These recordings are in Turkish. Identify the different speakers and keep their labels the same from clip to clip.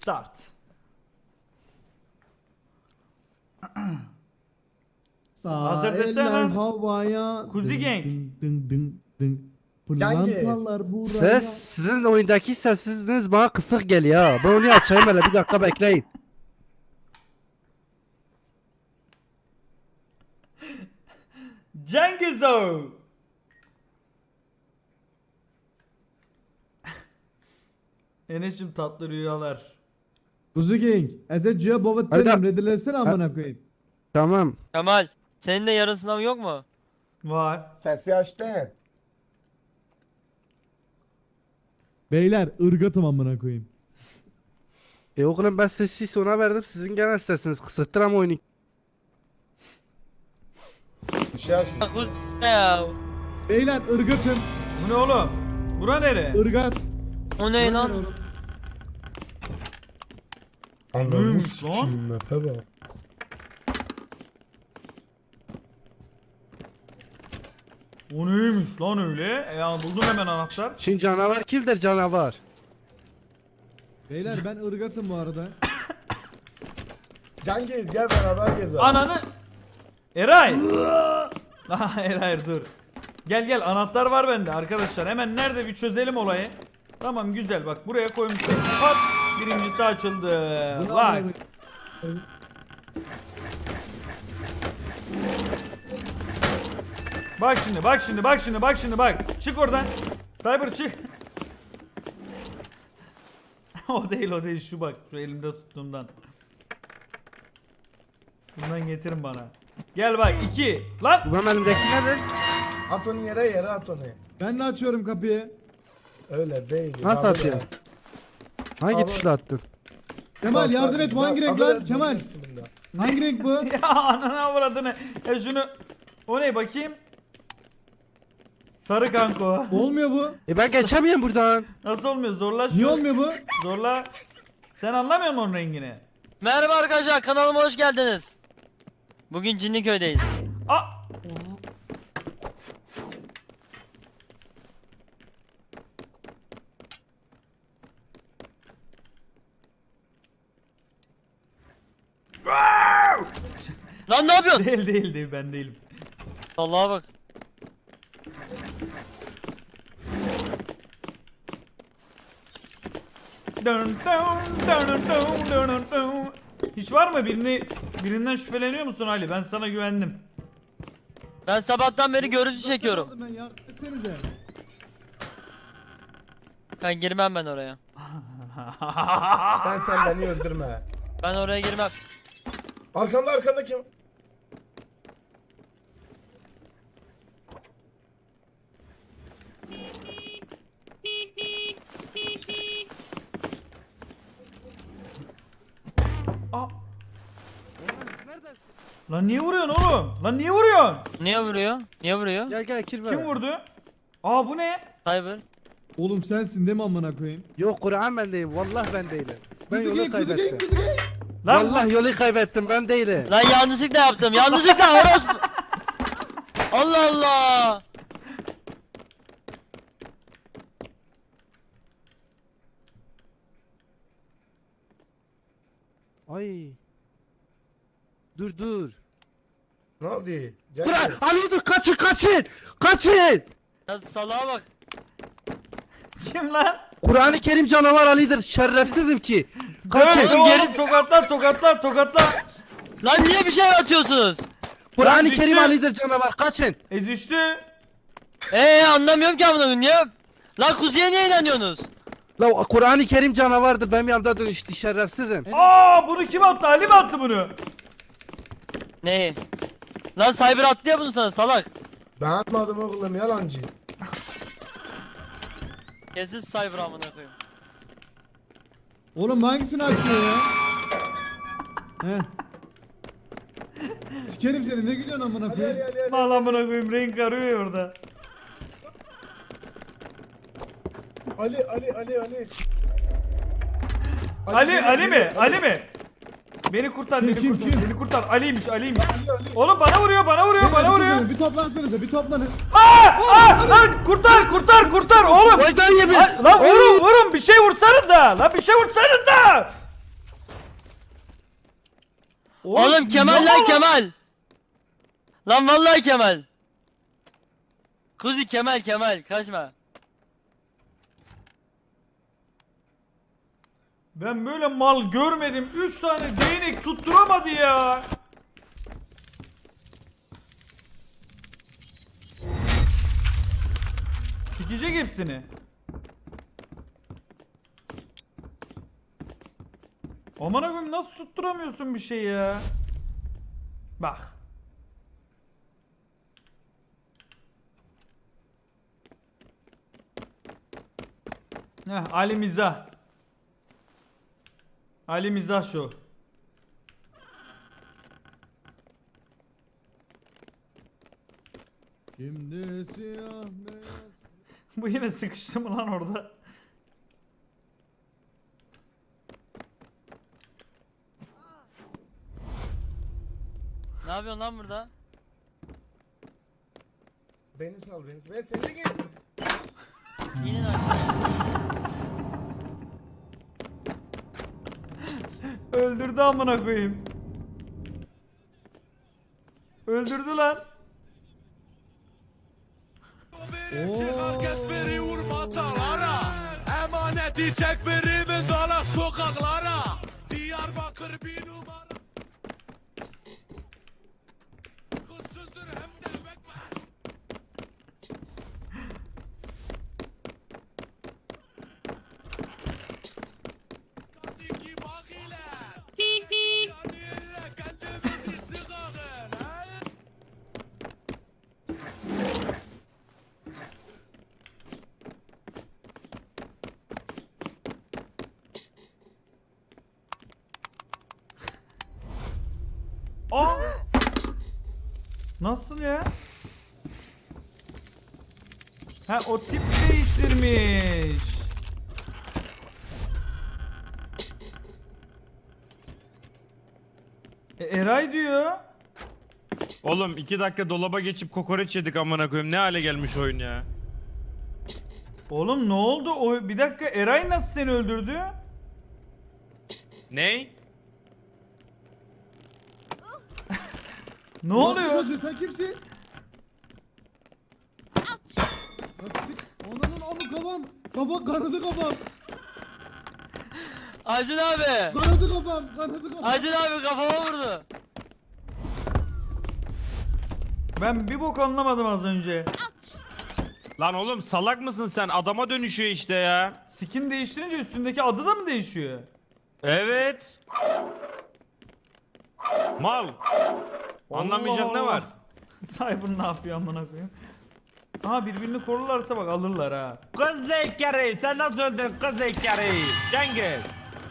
Speaker 1: Start. Hazır
Speaker 2: Sağ
Speaker 1: desene.
Speaker 2: eller havaya.
Speaker 1: Kuzi Gang.
Speaker 2: Dın dın dın.
Speaker 3: Cengiz.
Speaker 2: Pırlantalar buraya.
Speaker 4: Ses sizin oyundaki sessizliğiniz bana kısık geliyor ha. Ben onu açayım hele bir dakika bekleyin.
Speaker 1: Cengizo. Enes'cim tatlı rüyalar.
Speaker 2: Kuzi Gang. Ezeciye bovet
Speaker 4: Hayda.
Speaker 2: dedim. Redilesene amına koyayım.
Speaker 4: Tamam.
Speaker 5: Kemal, senin de yarın sınavın yok mu?
Speaker 1: Var.
Speaker 3: Sesi açtın.
Speaker 2: Beyler ırgatım amına koyayım.
Speaker 4: Oğlum ben sesi sona verdim sizin genel sesiniz kısıktır ama oyunu.
Speaker 3: Bir şey açmış.
Speaker 5: Kuz ya.
Speaker 2: Beyler ırgatım.
Speaker 1: Bu ne oğlum? Bura nere?
Speaker 2: Irgat.
Speaker 5: O ne lan?
Speaker 3: Ananı
Speaker 1: Neymiş
Speaker 3: sikiyim mepe bak.
Speaker 1: O neymiş lan öyle? Ya buldum hemen anahtar.
Speaker 4: Şimdi canavar kimdir canavar?
Speaker 2: Beyler ben ırgatım bu arada.
Speaker 3: Cengiz gel beraber gezelim.
Speaker 1: Ananı. Eray. Aha Eray dur. Gel gel anahtar var bende arkadaşlar. Hemen nerede bir çözelim olayı. Tamam güzel bak buraya koymuşum. Hop birincisi açıldı.
Speaker 2: Bunu
Speaker 1: Bak.
Speaker 2: amına koyayım.
Speaker 1: Bak şimdi bak şimdi bak şimdi bak şimdi bak. Çık oradan. Cyber çık. O değil o değil şu bak. Şu elimde tuttuğumdan. Bundan getirin bana. Gel bak 2. Lan.
Speaker 4: Bu benim elimdeki nedir?
Speaker 3: At onu yere at onu.
Speaker 2: Ben de açıyorum kapıyı.
Speaker 3: Öyle değil.
Speaker 4: Nasıl
Speaker 3: Abi
Speaker 4: atıyor?
Speaker 3: ya.
Speaker 4: Hangi
Speaker 3: Abi-
Speaker 4: tuşla attın?
Speaker 2: Kemal yardım et. Bu hangi renk lan?
Speaker 3: Abi,
Speaker 2: Kemal.
Speaker 3: üstünde.
Speaker 2: Hangi renk bu?
Speaker 1: Ya ananı avradını. Ya şunu. O ne bakayım. Sarı kanko.
Speaker 2: Olmuyor bu.
Speaker 4: Ben geçemiyorum buradan.
Speaker 1: Nasıl olmuyor? Zorla şunu.
Speaker 2: Niye olmuyor bu?
Speaker 1: Zorla. Sen anlamıyor musun onun rengini?
Speaker 5: Merhaba arkadaşlar, kanalıma hoş geldiniz. Bugün Cinliköy'deyiz.
Speaker 1: Aa!
Speaker 5: Lan ne yapıyorsun?
Speaker 1: Değil ben değilim.
Speaker 5: Allah'a bak.
Speaker 1: Hiç var mı birinden şüpheleniyor musun Ali? Ben sana güvendim.
Speaker 5: Ben sabahtan beri görüntü çekiyorum.
Speaker 2: Ben yardım etsenize.
Speaker 5: Ben girmem ben oraya.
Speaker 3: Sen beni öldürme.
Speaker 5: Ben oraya girmem.
Speaker 3: Arkanda kim?
Speaker 1: Aa! Lan niye vuruyorsun oğlum? Lan niye vuruyorsun?
Speaker 5: Niye vuruyor? Niye vuruyor?
Speaker 4: Gel gel kirve.
Speaker 1: Kim vurdu? Aa bu ne?
Speaker 5: Cyber.
Speaker 2: Oğlum sensin değil mi amına koyayım?
Speaker 4: Yok Kur'an ben değilim. Vallahi ben değilim. Ben
Speaker 2: Kuzi
Speaker 4: yolu
Speaker 2: Gang, Kuzi Gang,
Speaker 4: kaybettim.
Speaker 2: Kuzi Gang.
Speaker 1: Lan
Speaker 4: Vallahi yolu kaybettim ben değilim.
Speaker 5: Lan yanlışlıkla yaptım. Yanlışlıkla orospu. Allah Allah.
Speaker 4: Ay. Dur.
Speaker 3: Ne oldu?
Speaker 4: Kur'an
Speaker 3: Cengiz.
Speaker 4: Ali dur kaçın. Kaçın.
Speaker 5: Ya salağa bak.
Speaker 1: kim lan?
Speaker 4: Kur'an-ı Kerim canavar Ali'dir. Şerefsizim ki.
Speaker 1: Dövdü
Speaker 4: Kaçın.
Speaker 1: oğlum
Speaker 5: geri-
Speaker 1: tokatla.
Speaker 5: Lan niye bir şey atıyorsunuz?
Speaker 4: Kur'an-ı
Speaker 1: düştü.
Speaker 4: Kerim Ali'dir canavar. Kaçın.
Speaker 1: Düştü.
Speaker 5: Anlamıyorum ki amına koyayım. Niye? Lan kuzuya niye inanıyorsunuz?
Speaker 4: La Kur'an-ı Kerim canavardır. Benim yanımda dönüştü şerefsizim.
Speaker 1: Aa bunu kim attı? Ali mi attı bunu?
Speaker 5: Neyi? Lan Cyber attı ya bunu sana salak.
Speaker 3: Ben atmadım oğlum yalancı.
Speaker 5: Kesin Cyber amına koyayım.
Speaker 2: Oğlum hangisini açıyor ya? He. Sikerim seni ne gülüyorsun amına koyayım?
Speaker 1: Bağlamına koyayım renk arıyor orada.
Speaker 3: Ali.
Speaker 1: Ali mi? Beni kurtar,
Speaker 2: Kim?
Speaker 1: beni kurtar. Ali'ymiş.
Speaker 3: Ali.
Speaker 1: Oğlum bana vuruyor.
Speaker 2: Beyler, bir toplansanıza bir toplanın.
Speaker 1: Lan kurtar oğlum.
Speaker 4: Oydan yemin.
Speaker 1: Lan vurun bir şey vursanıza. Lan bir şey vursanıza.
Speaker 5: Oğlum Kemal lan Kemal. Lan vallahi Kemal. Kuzi Kemal kaçma.
Speaker 1: Ben böyle mal görmedim. 3 tane değnek tutturamadı ya. Sikecek hepsini. Aman koyayım, nasıl tutturamıyorsun bir şey ya? Bak. Ali Mizah. Ali Mizah şu.
Speaker 2: Şimdi siyah beyaz.
Speaker 1: Bu yine sıkıştı mı lan orada?
Speaker 5: Ne yapıyorsun lan burada?
Speaker 3: Beni sal beni. Ben seni de gel.
Speaker 5: İnin aşağı.
Speaker 1: Öldürdü amına koyayım. Öldürdü lan.
Speaker 6: Çıkar kesmeri vur masalara. Emaneti çek birimin dalak sokaklara. Diyarbakır bir numara. Kızsızdır hem de bekmez. Kadiki bak ile. Yani ile kendimizi sıkağın.
Speaker 1: Aa! Nasıl ya? Ha, o tip değiştirmiş. Eray diyor.
Speaker 7: Oğlum 2 dakika dolaba geçip kokoreç yedik amına koyayım. Ne hale gelmiş oyun ya.
Speaker 1: Oğlum ne oldu? O bir dakika, Eray nasıl seni öldürdü?
Speaker 7: Ney?
Speaker 1: Ne oluyor?
Speaker 2: Çocuğu, sen kimsin? Nasıl? Ananın amı kafam. Kanadı kafam.
Speaker 5: Acun abi.
Speaker 2: Kanadı kafam.
Speaker 5: Acun abi kafama vurdu.
Speaker 1: Ben bir bok anlamadım az önce.
Speaker 7: Lan oğlum salak mısın sen? Adama dönüşüyor işte ya.
Speaker 1: Skin değiştirince üstündeki adı da mı değişiyor?
Speaker 7: Evet. Mal. Anlamayacak
Speaker 1: Allah
Speaker 7: ne var?
Speaker 1: Allah. Cyber ne yapıyor amına koyayım? Aha, birbirini korurlarsa bak alırlar ha.
Speaker 7: Kız zekeri sen nasıl öldün kız zekeri? Cengiz.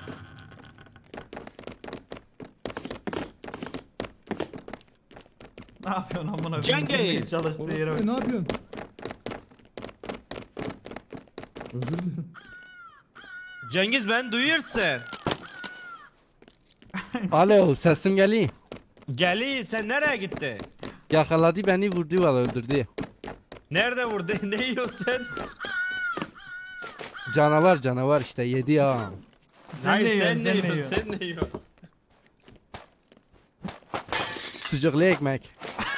Speaker 1: Ne yapıyorsun amına koyayım?
Speaker 7: Cengiz!
Speaker 1: Girmeye çalıştığı yere bak.
Speaker 2: Ne yapıyorsun? Özür dilerim.
Speaker 7: Cengiz ben duyuyorsun.
Speaker 4: Alo sesim geliyor.
Speaker 7: Geli sen nereye gitti?
Speaker 4: Yakaladı beni vurdu valla öldürdü.
Speaker 7: Nerede vurdu? Ne yiyorsun sen?
Speaker 4: Canavar işte yedi ya.
Speaker 1: Sen ne yiyorsun?
Speaker 7: sen ne
Speaker 1: Sen ne
Speaker 7: yiyorsun?
Speaker 1: yiyorsun?
Speaker 7: Sen ne yiyorsun?
Speaker 4: Sucuklu ekmek.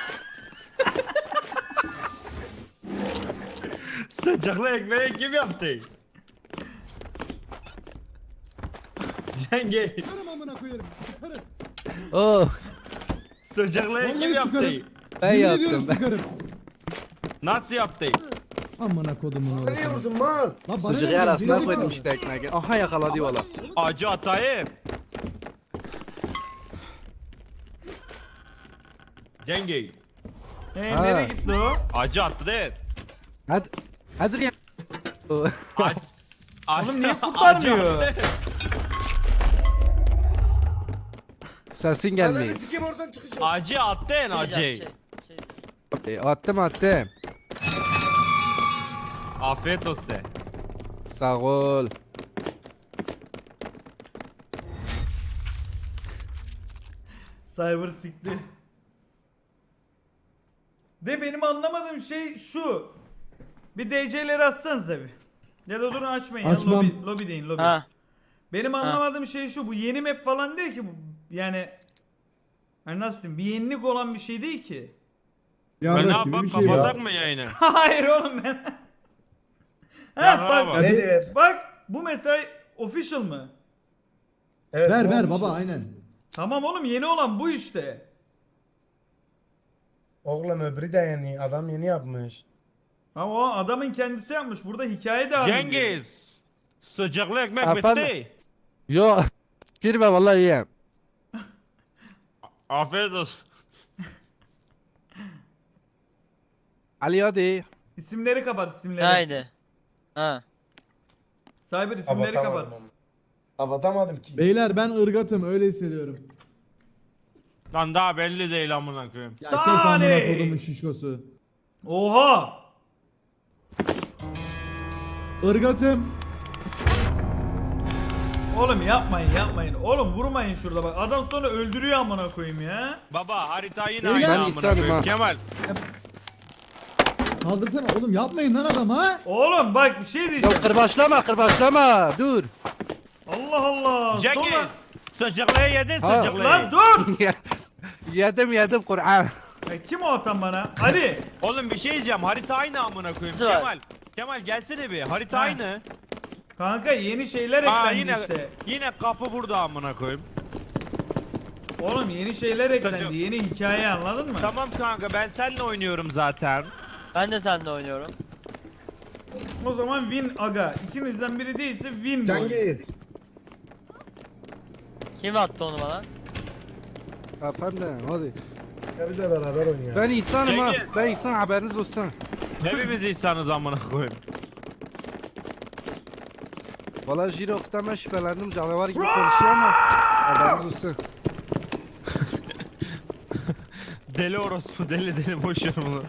Speaker 7: Sıcaklı ekmeği kim yaptı? Cengiz.
Speaker 2: Sıkarım amına koyarım. Sıkarım.
Speaker 4: Oh
Speaker 7: Sıcaklı kim
Speaker 2: Vallahi
Speaker 7: yaptı?
Speaker 2: sıkarım.
Speaker 4: ben
Speaker 2: Yemin ediyorum
Speaker 4: yaptım ben.
Speaker 2: sıkarım.
Speaker 7: Nasıl yaptı?
Speaker 2: Amına kodumun
Speaker 3: Bana niye
Speaker 2: orası.
Speaker 3: vurdun mal?
Speaker 2: Lan bana
Speaker 4: Sucuğu
Speaker 2: ne
Speaker 4: arasına
Speaker 2: diyorsun?
Speaker 4: koydum işte ekmeği. Aha yakaladı valla.
Speaker 7: Acı atayım. Cengiz.
Speaker 4: Ha.
Speaker 1: Nereye gitti o?
Speaker 7: Acı attı değil.
Speaker 4: Hadi. Hadi ya. Oh.
Speaker 7: Oğlum
Speaker 1: niye kurtarmıyor?
Speaker 4: Sesin
Speaker 3: Ananı
Speaker 4: gelmiyor.
Speaker 3: sikeyim oradan çıkacağım.
Speaker 7: Acı attın acı.
Speaker 5: Şey.
Speaker 4: Attım.
Speaker 7: Afiyet olsun.
Speaker 4: Sağ ol.
Speaker 1: Cyber sikti. De benim anlamadığım şey şu. Bir DC'leri atsanıza bir. Ya da durun açmayın ya.
Speaker 2: Açmam.
Speaker 1: Lobi deyin lobi.
Speaker 5: Ha.
Speaker 1: Benim anlamadığım şey şu. Bu yeni map falan değil ki bu. Yani Hani nasıl diyeyim? Bir yenilik olan bir şey değil ki.
Speaker 7: Ben ne
Speaker 2: Yarrak gibi
Speaker 7: yapalım
Speaker 2: bir şey ya.
Speaker 7: kapatak mı yayını?
Speaker 1: Hayır oğlum ben.
Speaker 7: Ya
Speaker 1: Ha
Speaker 7: bravo.
Speaker 1: bak,
Speaker 3: Ne diyor?
Speaker 1: bak bu mesela official mı?
Speaker 3: Evet,
Speaker 2: Ver
Speaker 3: ne
Speaker 2: ver
Speaker 3: olmuş
Speaker 2: baba
Speaker 3: ya?
Speaker 2: aynen.
Speaker 1: Tamam oğlum yeni olan bu işte.
Speaker 3: Oğlum öbürü de yeni. Adam yeni yapmış.
Speaker 1: Ama o adamın kendisi yapmış. Burada hikaye devam ediyor.
Speaker 7: Cengiz. Sıcaklı ekmek
Speaker 4: Efendim?
Speaker 7: bitti.
Speaker 4: Yo. Girme vallahi yiyem.
Speaker 7: Afiyet olsun.
Speaker 4: Ali hadi.
Speaker 1: İsimleri kapat isimleri.
Speaker 5: Haydi. Ha.
Speaker 1: Cyber isimleri kapat.
Speaker 3: Kapatamadım ama. Kapatamadım ki.
Speaker 2: Beyler ben ırgatım öyle hissediyorum.
Speaker 7: Lan daha belli değil amına koyayım.
Speaker 2: Ya kes
Speaker 1: Sani!
Speaker 2: amına kodumun şişkosu.
Speaker 1: Oha!
Speaker 2: Irgatım.
Speaker 1: Oğlum yapmayın. Oğlum vurmayın şurada bak. Adam sonra öldürüyor amına koyayım ya.
Speaker 7: Baba harita yine
Speaker 2: Ben
Speaker 7: aynı amına
Speaker 4: insanım
Speaker 7: koyayım.
Speaker 4: ha.
Speaker 7: Kemal.
Speaker 2: Kaldırsana oğlum yapmayın lan adam ha.
Speaker 1: Oğlum bak bir şey
Speaker 4: Ya
Speaker 1: diyeceğim.
Speaker 4: kırbaçlama. Dur.
Speaker 1: Allah Allah.
Speaker 7: Cengiz.
Speaker 1: Sonra...
Speaker 7: Sıcaklığı yedin
Speaker 4: Ha.
Speaker 7: sıcaklığı.
Speaker 1: Lan dur.
Speaker 4: yedim Kur'an.
Speaker 1: Ya kim o atan bana? Ali.
Speaker 7: Oğlum bir şey diyeceğim. Harita aynı amına koyayım.
Speaker 5: Nasıl var?
Speaker 7: Kemal. Kemal gelsene bir. Harita
Speaker 1: Ha.
Speaker 7: aynı.
Speaker 1: Kanka yeni şeyler
Speaker 7: Aa
Speaker 1: eklendi
Speaker 7: yine
Speaker 1: işte.
Speaker 7: yine kapı burada amına koyayım.
Speaker 1: Oğlum yeni şeyler eklendi.
Speaker 7: Saçım.
Speaker 1: Yeni hikaye anladın mı?
Speaker 7: Tamam kanka ben seninle oynuyorum zaten.
Speaker 5: Ben de seninle oynuyorum.
Speaker 1: O zaman win aga. İkimizden biri değilse win bu.
Speaker 3: Cengiz.
Speaker 5: Kim attı onu bana?
Speaker 4: Efendim hadi.
Speaker 3: Ya biz de beraber oynayalım.
Speaker 4: Ben insanım ha.
Speaker 7: Cengiz.
Speaker 4: Ben insan haberiniz olsun.
Speaker 7: Hepimiz insanız amına koyayım.
Speaker 4: Valla Jirox'tan ben şüphelendim canavar gibi konuşuyor ama haberiniz olsun.
Speaker 7: Deli orospu deli boş ver bunu.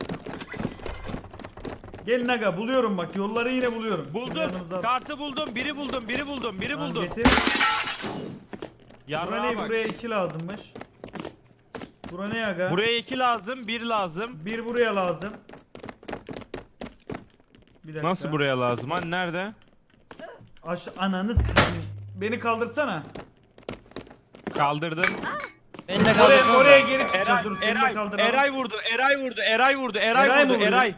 Speaker 1: Gelin aga buluyorum bak. Yolları yine buluyorum.
Speaker 7: Buldum.
Speaker 1: Yanınıza-
Speaker 7: Kartı buldum. Biri buldum. Biri
Speaker 1: Tamam,
Speaker 7: buldum.
Speaker 1: getir.
Speaker 7: Yarrağa
Speaker 1: Buraya,
Speaker 7: bak.
Speaker 1: buraya 2 lazımmış. Bura ne aga?
Speaker 7: Buraya 2 lazım, 1 lazım.
Speaker 1: Bir buraya lazım. Bir dakika.
Speaker 7: Nasıl buraya lazım? Hani nerede?
Speaker 1: Ananı s**eyim. Beni kaldırsana.
Speaker 7: Kaldırdım.
Speaker 5: Beni de
Speaker 1: Oraya,
Speaker 5: kaldırsana.
Speaker 1: oraya geri çıkacağız.
Speaker 7: Eray,
Speaker 1: Dur seni de kaldıralım.
Speaker 7: Eray vurdu. Eray
Speaker 1: Eray mı
Speaker 7: vurdu.
Speaker 1: vuruyor?
Speaker 7: Eray.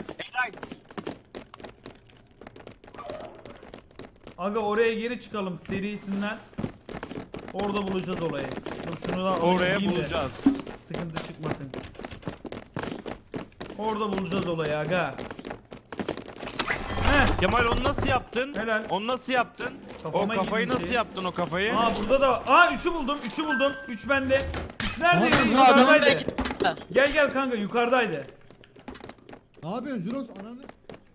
Speaker 1: Aga oraya geri çıkalım serisinden. Orada bulacağız olayı. Dur şunu da
Speaker 7: Oraya
Speaker 1: alayım da
Speaker 7: bulacağız.
Speaker 1: Sıkıntı çıkmasın. Orada bulacağız olayı aga. Heh.
Speaker 7: Kemal onu nasıl yaptın?
Speaker 1: Helal.
Speaker 7: Onu nasıl yaptın?
Speaker 1: Kafama
Speaker 7: o kafayı
Speaker 1: girmiş
Speaker 7: nasıl
Speaker 1: şey.
Speaker 7: yaptın o kafayı?
Speaker 1: Aa burada da var. Aa 3'ü buldum. 3'ü buldum. 3 bende. 3 neredeydi?
Speaker 2: Adam
Speaker 1: Yukarıdaydı.
Speaker 5: belki-
Speaker 1: Gel kanka yukarıdaydı.
Speaker 2: Ne yapıyorsun Juros ananı?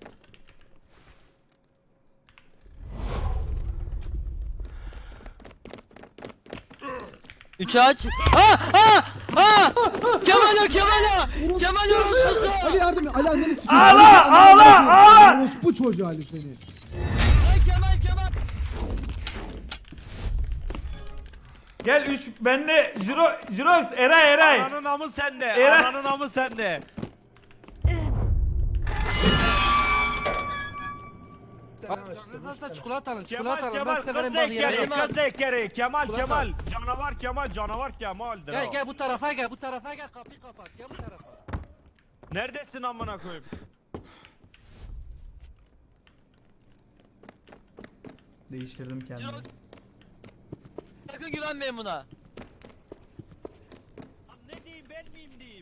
Speaker 5: Üçü aç. Ha! Ha! Ha! Kemal orospusu!
Speaker 2: Ali yardım et. Ali anneni sikeyim.
Speaker 1: Ağla!
Speaker 2: Orospu çocuğu Ali seni.
Speaker 5: Ay Kemal!
Speaker 1: Gel 3 bende. Jirox Eray.
Speaker 7: Ananın amı sende.
Speaker 1: Eray.
Speaker 7: Ananın amı sende.
Speaker 4: Canınız nasıl çikolata alın
Speaker 7: Kemal
Speaker 4: Ben
Speaker 7: Kemal
Speaker 4: severim
Speaker 7: kız
Speaker 4: bak
Speaker 7: zekeri
Speaker 4: yerim.
Speaker 7: kız zekeri Kemal
Speaker 4: Çikolata.
Speaker 7: Canavar Kemal'dir o.
Speaker 4: Gel bu tarafa gel kapıyı kapat gel bu tarafa.
Speaker 7: Neredesin amına koyayım?
Speaker 1: Değiştirdim kendimi.
Speaker 5: Sakın güvenmeyin buna.
Speaker 7: Lan ne diyeyim ben miyim diyeyim?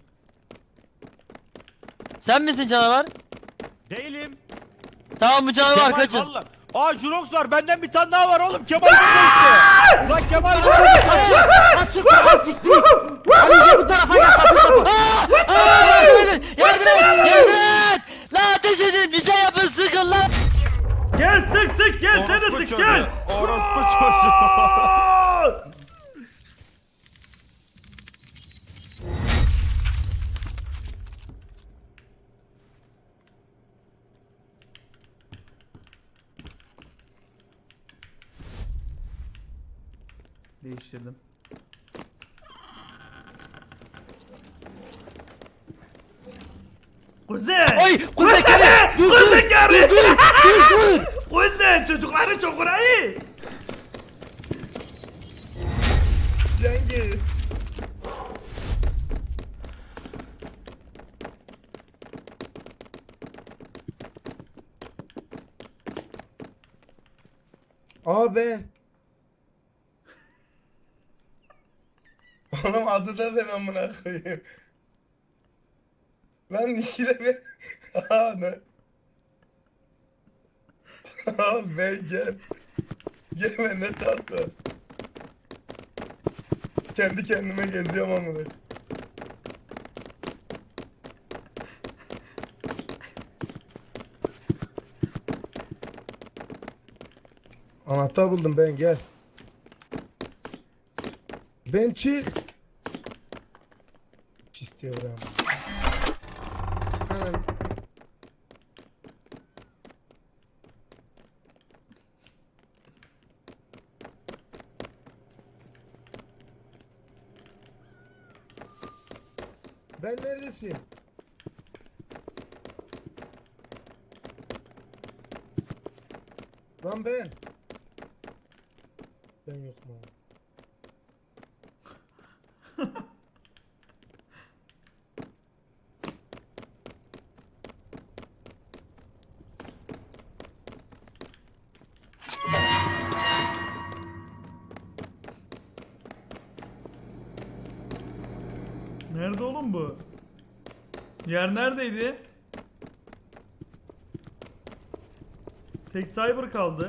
Speaker 5: Sen misin canavar?
Speaker 7: Değilim.
Speaker 5: Tamam bu canavar
Speaker 7: Kemal
Speaker 5: kaçın.
Speaker 7: valla. Aa Jurox var benden bir tane daha var oğlum Kemal burada işte. Ulan Kemal burada.
Speaker 4: Açık kapat siktir. Ali gel bu tarafa gel kapıyı kapat.
Speaker 5: Yardım et! Lan ateş edin bir şey yapın sıkın lan!
Speaker 1: Gel sık gel sen de
Speaker 7: Orospu
Speaker 1: sık
Speaker 7: çocuğu.
Speaker 1: gel.
Speaker 7: Orospu çocuğu.
Speaker 1: Değiştirdim. Kuzey!
Speaker 5: Oy!
Speaker 1: Kuzey!
Speaker 4: Dur,
Speaker 1: Kuzey gari!
Speaker 4: Dur.
Speaker 1: Kuzey çocukları çok iyi.
Speaker 3: Cengiz. Aa ben. Oğlum adı da ben amına koyayım. Lan ikide ben. Aa ne? Aa ben gel. Gel ben ne tatlı. Kendi kendime geziyorum amına. Anahtar buldum ben gel. Ben çık. İstiyorum. Hemen. Ben neredesin? Lan ben. Ben yok mu?
Speaker 1: Nerede oğlum bu? Yer neredeydi? Tek cyber kaldı.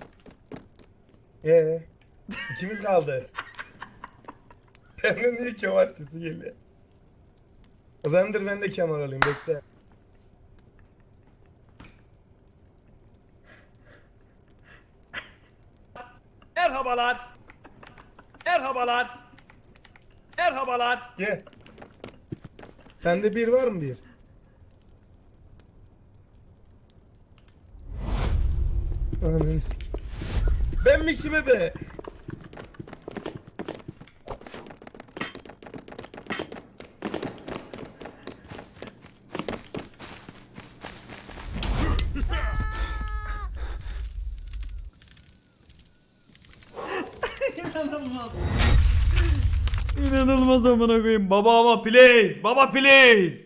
Speaker 3: İkimiz kaldı. Senden niye Kemal sesi geliyor? O zamandır ben de Kemal olayım bekle.
Speaker 1: Merhabalar. Merhabalar. Merhabalar.
Speaker 3: Gel. Sende bir var mı bir? Ananı sik. Benmişim be.
Speaker 1: İnanılmaz. İnanılmaz amına koyayım. Baba ama please. Baba please.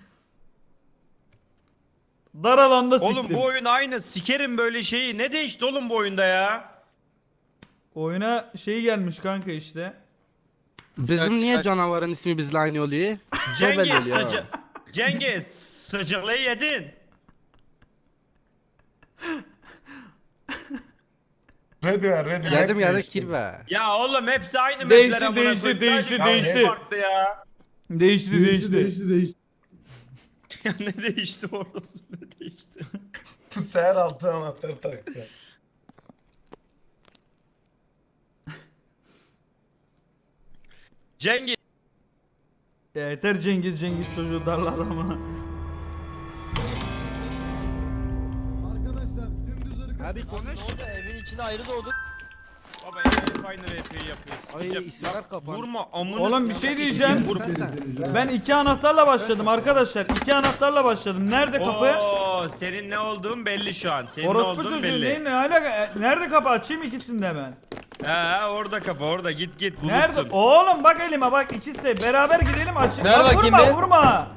Speaker 1: Dar alanda siktim.
Speaker 7: Oğlum bu oyun aynı. Sikerim böyle şeyi. Ne değişti oğlum bu oyunda ya?
Speaker 1: Oyuna şey gelmiş kanka işte.
Speaker 4: Bizim niye canavarın ismi bizle aynı oluyor? Çok belli
Speaker 7: Cengiz,
Speaker 4: oluyor.
Speaker 7: Cengiz, sıcaklığı yedin.
Speaker 3: Ready ver ready.
Speaker 4: Yedim yedim kirve.
Speaker 7: Ya oğlum hepsi aynı
Speaker 1: Değişti,
Speaker 7: mapler amına
Speaker 1: değişti,
Speaker 7: koyayım.
Speaker 1: değişti,
Speaker 7: Sadece
Speaker 3: değişti.
Speaker 7: kaos farklı ya.
Speaker 1: Değişti.
Speaker 2: Değişti.
Speaker 7: Ya ne değişti oğlum? Ne değişti?
Speaker 3: Seher altı anahtar taksi.
Speaker 7: Cengiz.
Speaker 1: Ya yeter Cengiz çocuğu darlar ama.
Speaker 2: Arkadaşlar dümdüz ırkı.
Speaker 4: Hadi konuş.
Speaker 5: Ne oldu? Evin içinde ayrı doğduk.
Speaker 7: Baba ya hep aynı RP'yi yapıyorsun.
Speaker 4: Ay isimler kapan.
Speaker 7: Vurma amına.
Speaker 1: Oğlum bir şey diyeceğim.
Speaker 4: Vurma.
Speaker 1: Ben 2 anahtarla başladım arkadaşlar. 2 anahtarla başladım. Nerede kapı?
Speaker 7: Oo, senin ne olduğun belli şu an. Senin ne
Speaker 1: Orospu
Speaker 7: olduğun
Speaker 1: çocuğu
Speaker 7: belli.
Speaker 1: ne alaka? Nerede kapı? Açayım ikisini de hemen.
Speaker 7: Ha orada kapı orada git bulursun.
Speaker 1: Nerede? Oğlum bak elime bak ikisi. Beraber gidelim açayım.
Speaker 5: Ver
Speaker 1: Lan
Speaker 5: bakayım
Speaker 1: vurma
Speaker 5: bir.
Speaker 1: vurma.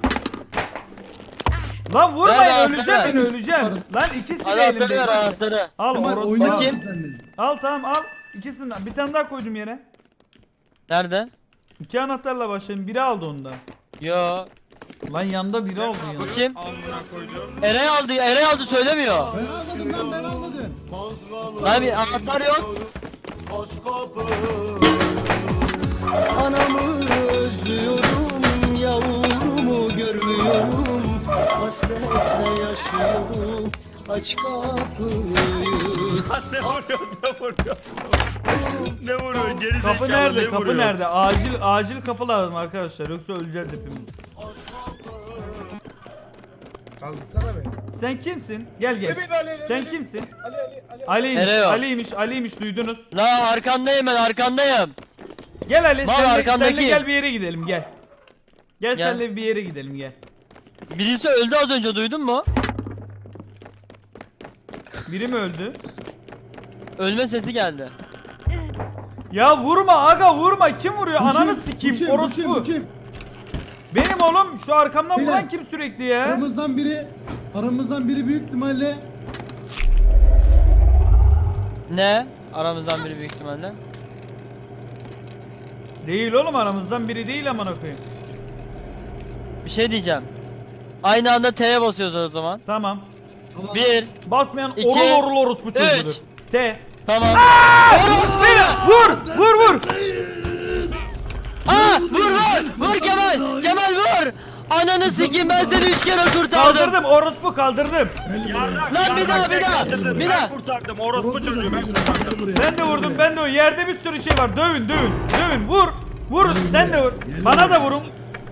Speaker 1: Lan vurmayın
Speaker 5: Ver,
Speaker 1: öleceğim
Speaker 5: ver.
Speaker 1: ben öleceğim. Lan ikisi de
Speaker 5: Anahtarı
Speaker 1: elimde.
Speaker 5: ver anahtarı.
Speaker 1: Al
Speaker 2: Kemal
Speaker 1: orospu.
Speaker 2: oynar
Speaker 1: Al.
Speaker 5: Bakayım.
Speaker 2: mısın sen de?
Speaker 1: Al tamam al. İkisinden. Bir tane daha koydum yere.
Speaker 5: Nerede?
Speaker 1: 2 anahtarla başladım. Biri aldı ondan.
Speaker 5: Yo.
Speaker 1: Lan yanda biri aldı ya.
Speaker 5: Bakayım.
Speaker 7: Amına koydum.
Speaker 5: Eray aldı söylemiyor.
Speaker 2: Ben almadım lan ben almadım.
Speaker 5: Lan bir anahtar yok.
Speaker 8: Anamı özlüyorum, yavrumu görmüyorum. Hasretle yaşıyorum, aç kapıyı.
Speaker 7: Ne vuruyor? Ne vuruyor? Geri
Speaker 1: Kapı
Speaker 7: zekalı,
Speaker 1: nerede?
Speaker 7: ne
Speaker 1: Kapı
Speaker 7: vuruyor?
Speaker 1: nerede? Acil kapı lazım arkadaşlar. Yoksa öleceğiz hepimiz.
Speaker 3: Kaldırsana beni.
Speaker 1: Sen kimsin? Gel gel.
Speaker 3: Evet, Ali,
Speaker 1: Sen
Speaker 3: Ali.
Speaker 1: kimsin?
Speaker 3: Ali.
Speaker 1: Ali'ymiş.
Speaker 5: Nereye o?
Speaker 1: Ali'ymiş duydunuz.
Speaker 5: La arkandayım ben arkandayım.
Speaker 1: Gel Ali
Speaker 5: Baba,
Speaker 1: senle
Speaker 5: arkandaki.
Speaker 1: gel bir yere gidelim gel. Gel
Speaker 5: Gel.
Speaker 1: senle bir yere gidelim gel.
Speaker 5: Birisi öldü az önce duydun mu?
Speaker 1: Biri mi öldü?
Speaker 5: Ölme sesi geldi.
Speaker 1: Ya vurma aga vurma. Kim vuruyor?
Speaker 2: Bu
Speaker 1: Ananı
Speaker 2: kim?
Speaker 1: sikeyim.
Speaker 2: Bu kim? Bu kim? Bu
Speaker 1: Orospu.
Speaker 2: kim?
Speaker 1: Benim oğlum şu arkamdan
Speaker 2: Beyler.
Speaker 1: vuran kim sürekli ya?
Speaker 2: Aramızdan biri büyük ihtimalle
Speaker 5: Ne? Aramızdan biri büyük ihtimalle.
Speaker 1: Değil oğlum, aramızdan biri değil amına koyayım.
Speaker 5: Bir şey diyeceğim. Aynı anda T'ye basıyoruz o zaman.
Speaker 1: Tamam.
Speaker 5: 1
Speaker 1: Basmayan
Speaker 5: İki,
Speaker 1: orul orospu çocuğudur.
Speaker 5: üç.
Speaker 1: T.
Speaker 5: Tamam.
Speaker 1: Vur! Vur vur!
Speaker 5: Aa vur vur! Vur Kemal! Kemal vur! Ananı sikeyim, ben seni 3 kere kurtardım.
Speaker 1: Kaldırdım orospu, kaldırdım.
Speaker 5: Lan bir daha bir daha. Bir daha.
Speaker 7: Ben kurtardım orospu çocuğu ben kurtardım.
Speaker 1: Ben de vurdum, ben de o yerde bir sürü şey var. Dövün dövün. Dövün vur. Vur sen de vur. Bana da vurun.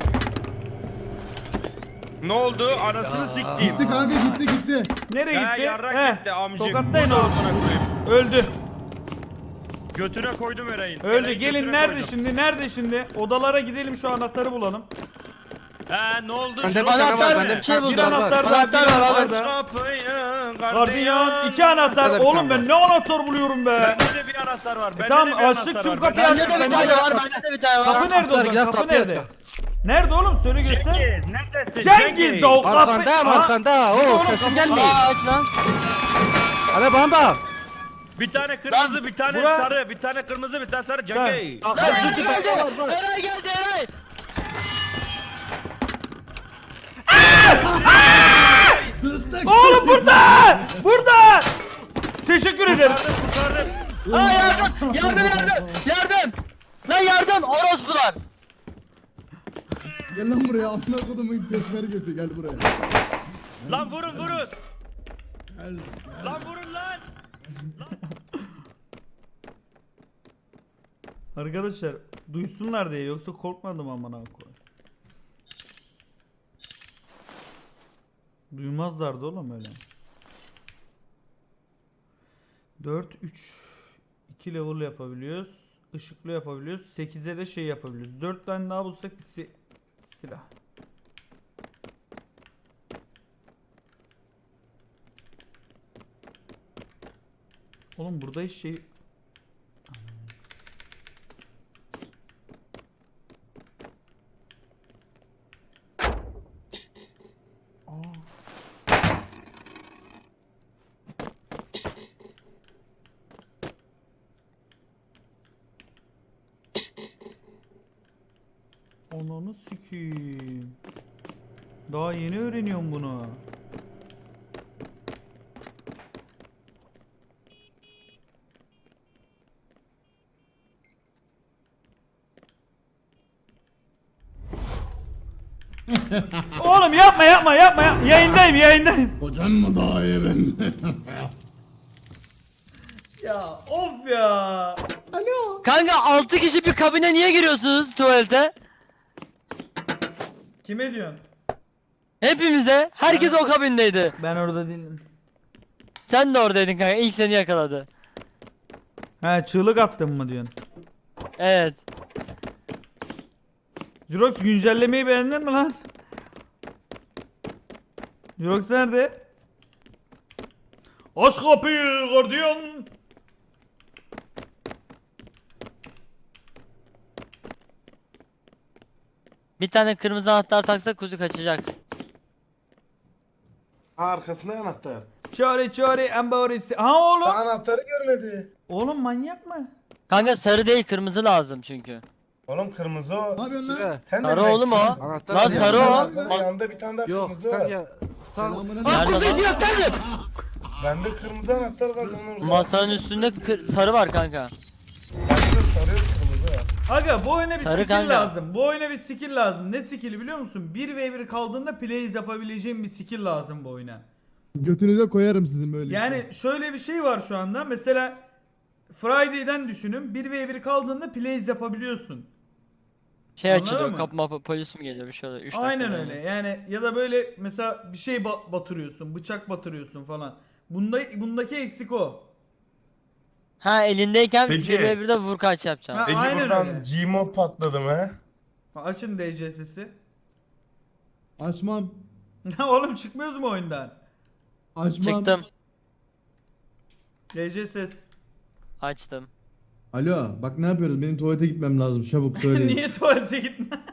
Speaker 7: Ne oldu? Anasını siktiğim.
Speaker 2: Gitti kanka, gitti.
Speaker 1: Nereye
Speaker 7: He
Speaker 1: gitti?
Speaker 7: yarrak gitti amcık.
Speaker 1: Tokatlayın
Speaker 7: Bunu
Speaker 1: oğlum.
Speaker 7: amına koyayım.
Speaker 1: Öldü.
Speaker 7: Götüne koydum Eray'ın.
Speaker 1: Öldü.
Speaker 7: Eray'ın
Speaker 1: Gelin
Speaker 7: götüne
Speaker 1: nerede
Speaker 7: koydum.
Speaker 1: şimdi? Nerede şimdi? Odalara gidelim, şu anahtarı bulalım.
Speaker 7: He ne oldu?
Speaker 4: Bende
Speaker 7: Şunu
Speaker 4: bir tane var,
Speaker 5: Anahtar
Speaker 4: bende
Speaker 5: bir şey
Speaker 1: Bir
Speaker 5: buldum.
Speaker 1: anahtar daha, bir
Speaker 5: Anahtar var
Speaker 1: anahtar
Speaker 5: abi.
Speaker 1: daha.
Speaker 7: Kapıyı
Speaker 1: Gardiyan, 2 anahtar.
Speaker 4: Bende bir
Speaker 1: Oğlum
Speaker 4: tane
Speaker 1: ben ne anahtar buluyorum be.
Speaker 7: Bende de bir anahtar var. Bende
Speaker 1: Tamam,
Speaker 7: de bir
Speaker 1: açtık,
Speaker 7: anahtar
Speaker 1: tüm
Speaker 7: var.
Speaker 1: kapıyı
Speaker 5: Bende
Speaker 1: açtık.
Speaker 5: de bir tane var. Bende de bir tane
Speaker 1: Kapı
Speaker 5: var.
Speaker 1: nerede o
Speaker 4: Anahtar,
Speaker 1: zaman?
Speaker 4: gel,
Speaker 1: Kapı
Speaker 4: kapıyı
Speaker 1: nerede?
Speaker 4: aç.
Speaker 1: Nerede oğlum? Söyle göster.
Speaker 7: Cengiz neredesin?
Speaker 1: Cengiz de o kapı.
Speaker 4: Arkandayım,
Speaker 1: Aa,
Speaker 4: arkanda. Oo, sesin gelmiyor.
Speaker 5: Aa aç lan.
Speaker 4: Hadi bana bak.
Speaker 7: Bir tane kırmızı, bir tane
Speaker 1: Bura-
Speaker 7: sarı, bir tane kırmızı, bir tane sarı. Cengiz.
Speaker 5: Lan Eray geldi. Eray geldi Eray.
Speaker 1: Oğlum burada! Burada! Teşekkür ederim.
Speaker 7: Kurtardım.
Speaker 5: Aa yardım. Yardım. Lan yardım. Orospular.
Speaker 2: Gel lan buraya, amına kodumun peşmergesi, gel buraya.
Speaker 7: Lan vurun.
Speaker 2: Gel.
Speaker 7: Lan vurun lan.
Speaker 1: Arkadaşlar duysunlar diye, yoksa korkmadım amına koyayım. Duymazlardı oğlum öyle. 4 3 2 level yapabiliyoruz. Işıklı yapabiliyoruz. 8'e de şey yapabiliyoruz. 4 tane daha bulsak bir silah. Oğlum burada hiç şey. Ananı sikeyim. Daha yeni öğreniyorum bunu. Oğlum yapma. Yayındayım.
Speaker 2: Kocan mı daha iyi ben?
Speaker 1: Ya of ya.
Speaker 2: Alo.
Speaker 5: Kanka 6 kişi bir kabine niye giriyorsunuz tuvalete?
Speaker 1: Kime diyorsun?
Speaker 5: Hepimize. Herkes o kabindeydi.
Speaker 1: Ben orada değilim.
Speaker 5: Sen de oradaydın kanka. İlk seni yakaladı.
Speaker 1: He, çığlık attın mı diyorsun?
Speaker 5: Evet.
Speaker 1: Jurox güncellemeyi beğendin mi lan? Jurox nerede? Aç kapıyı gardiyan.
Speaker 5: Bir tane kırmızı anahtar taksak kuzu kaçacak.
Speaker 3: Arkasında anahtar.
Speaker 1: Çare embarisi. Ha oğlum.
Speaker 3: Daha anahtarı görmedi.
Speaker 1: Oğlum manyak mı?
Speaker 5: Kanka sarı değil, kırmızı lazım çünkü.
Speaker 3: Oğlum kırmızı o.
Speaker 2: Ne yapıyorsun lan?
Speaker 3: Sen de
Speaker 5: Sarı
Speaker 3: renk-
Speaker 5: oğlum o.
Speaker 4: Anahtar
Speaker 5: Lan
Speaker 4: ne
Speaker 5: sarı
Speaker 4: ya?
Speaker 5: o.
Speaker 3: Yanında bir tane daha
Speaker 4: Yok
Speaker 3: kırmızı
Speaker 4: sen
Speaker 3: var.
Speaker 4: ya. Sen...
Speaker 2: Selamına
Speaker 5: Nerede lan?
Speaker 3: Bende kırmızı anahtar var onun orada.
Speaker 5: Masanın üstünde sarı var kanka.
Speaker 3: Bende sarı kırmızı var.
Speaker 1: Aga bu oyuna bir
Speaker 5: Sarı
Speaker 1: skill
Speaker 5: kanka.
Speaker 1: lazım. Bu oyuna bir skill lazım. Ne skill'i biliyor musun? 1v1 kaldığında plays yapabileceğim bir skill lazım bu oyuna.
Speaker 2: Götünüze koyarım sizin böyle
Speaker 1: Yani şöyle bir şey var şu anda. Mesela Friday'den düşünün. 1v1 kaldığında plays yapabiliyorsun.
Speaker 5: Şey
Speaker 1: Anladın
Speaker 5: açılıyor,
Speaker 1: mı?
Speaker 5: kapı polis mi geliyor bir şey oluyor. 3 dakika.
Speaker 1: Aynen
Speaker 5: yani.
Speaker 1: öyle. Yani ya da böyle mesela bir şey batırıyorsun, bıçak batırıyorsun falan. Bundaki eksik o.
Speaker 5: Ha elindeyken
Speaker 3: Peki.
Speaker 5: 1v1'de vur kaç yapacağım.
Speaker 1: Ha,
Speaker 3: Peki
Speaker 1: aynen
Speaker 3: buradan
Speaker 1: öyle.
Speaker 3: Gmod patladı mı?
Speaker 1: Açın DCS'si.
Speaker 2: Açmam.
Speaker 1: Oğlum çıkmıyoruz mu oyundan?
Speaker 2: Açmam.
Speaker 5: Çıktım.
Speaker 1: DCSS.
Speaker 5: Açtım.
Speaker 2: Alo, bak ne yapıyoruz? Benim tuvalete gitmem lazım. Çabuk söyleyin.
Speaker 1: Niye tuvalete gitme?